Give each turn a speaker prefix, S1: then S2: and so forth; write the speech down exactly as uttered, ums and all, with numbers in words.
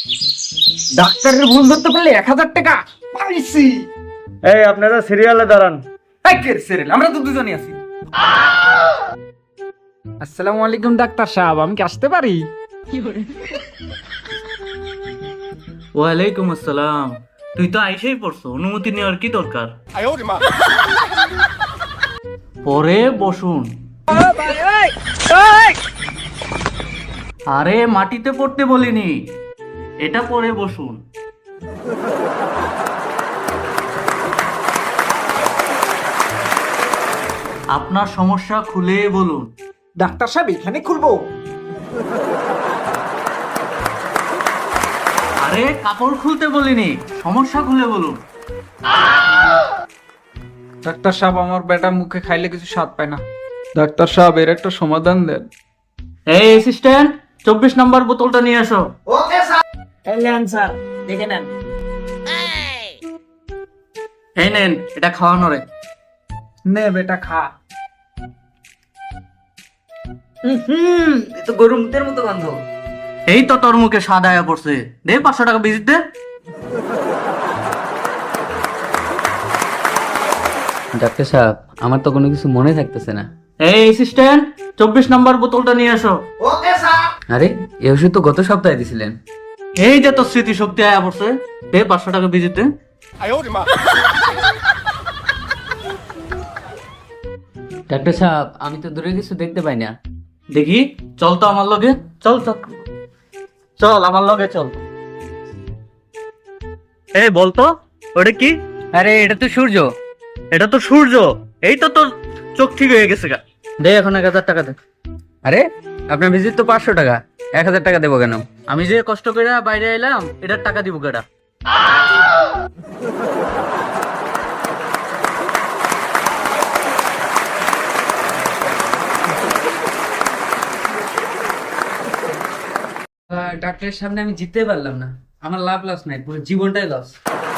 S1: ডাক্তারের ভুল ধরতে পারলে এক হাজার টাকা পাইছি।
S2: এই আপনারা সিরিয়ালে দাঁড়ান।
S1: এই কে সিরিয়াল? আমরা তো দুজনই আছি। আসসালামু আলাইকুম ডাক্তার সাহেব, আমি কি আসতে পারি?
S2: ওয়ালাইকুম আসসালাম। তুই তো আইসেই পড়ছো, অনুমতি নেওয়ার কি দরকার? পরে বসুন। আরে মাটিতে পড়তে বলিনি, এটা পরে বসুন। আপনার সমস্যা খুলে বলুন।
S1: ডাক্তার সাহেব এখানে খুলবো?
S2: আরে কাপড় খুলতে বলিনি, সমস্যা খুলে বলুন।
S1: ডাক্তার সাহেব আমার বেটা মুখে খাইলে কিছু স্বাদ পায় না। ডাক্তার সাহেব এর একটা সমাধান দেন।
S2: এই অ্যাসিস্ট্যান্ট, চব্বিশ নম্বর বোতলটা নিয়ে আসো।
S1: Okay sir.
S2: এলেন স্যার, দেখে নেন। এই নেন, এটা খাওয়ানো রে।
S1: নে বেটা খা।
S2: হুম, এ তো গরুর মুখের মতো গন্ধ। এই তো তোর মুখে স্বাদ আয়া পড়ছে, দে পাঁচশো টাকা ভিজিট দে।
S3: ডাক্তার সাহেব, আমার তো কোনো কিছু মনে থাকতেছে না।
S2: এই অ্যাসিস্ট্যান্ট, চব্বিশ নম্বর বোতলটা নিয়ে আসো।
S1: Okay sir.
S3: আরে এই ওষুধ তো গত সপ্তাহে দিছিলেন।
S2: এই যে তোর স্মৃতি শক্তি আয়া পড়ছে, দে পাঁচশো টাকা ভিজিট দে।
S3: ডাক্তার সাহেব, আমি তো দূরে কিছু দেখতে পাই না।
S2: দেখি, চল তো আমার লগে, চল চল চল আমার লগে চল। এই বলতো ওটা কি?
S3: আরে এটা তো সূর্য।
S2: এটা তো সূর্য। এই তো তোর চোখ ঠিক হয়ে গেছে গা।
S3: দে এখন এক হাজার টাকা দে। আরে আপনার ভিজিট তো পাঁচশো টাকা, এক হাজার টাকা দেবো কেন?
S2: আমি যে কষ্ট করে বাইরে এলাম, এটার টাকা দিব কেডা?
S3: ডাক্তারের সামনে আমি জিততে পারলাম না, আমার লাভ লস নাই, পুরো জীবনটাই লস।